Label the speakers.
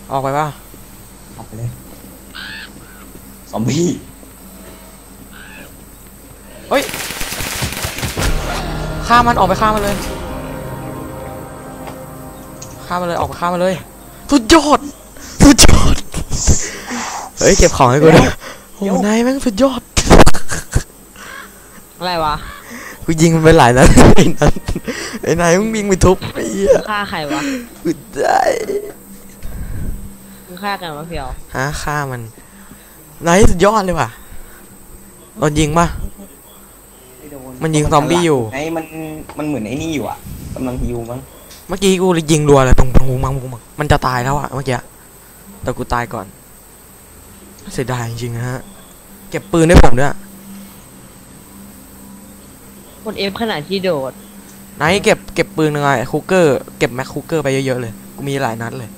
Speaker 1: ออกไปป่ะ
Speaker 2: ออกไปเลยซอมบี้
Speaker 1: เฮ้ยฆ่ามันออกไปฆ่ามันเลยฆ่ามันเลยออกไปฆ่ามันเลยสุดยอดสุดยอดเฮ้ยเก็บของให้กูด้วยโอ้นายแม่งสุดยอด
Speaker 3: อะไรวะ
Speaker 1: กูยิงมันไปหลายนัดไอ้นายมึงยิงไปทุบไอ้เหี้ย
Speaker 3: ฆ่าใครวะ
Speaker 1: กูได้
Speaker 3: มึงฆ่ากันวะเพียว
Speaker 1: ฆ่ามันนายสุดยอดเลยว่ะโดนยิงป่ะมันยิงซอมบี้อยู่
Speaker 2: ไอ้มันเหมือนไอ้นี่อยู่อ่ะกำลังฮิวมั้ง
Speaker 1: เมื่อกี้กูเลยยิงรัวเลยตรงหูมังมันจะตายแล้วอะเมื่อกี้แต่กูตายก่อนเสียดายจริงๆนะฮะเก็บปืนให้ผมด้วย
Speaker 3: คนเอฟขนาดที่โดด
Speaker 1: ไหนเก็บปืนยังไงคุกเกอร์เก็บแม็กคุกเกอร์ไปเยอะๆเลยกูมีหลายนัดเลย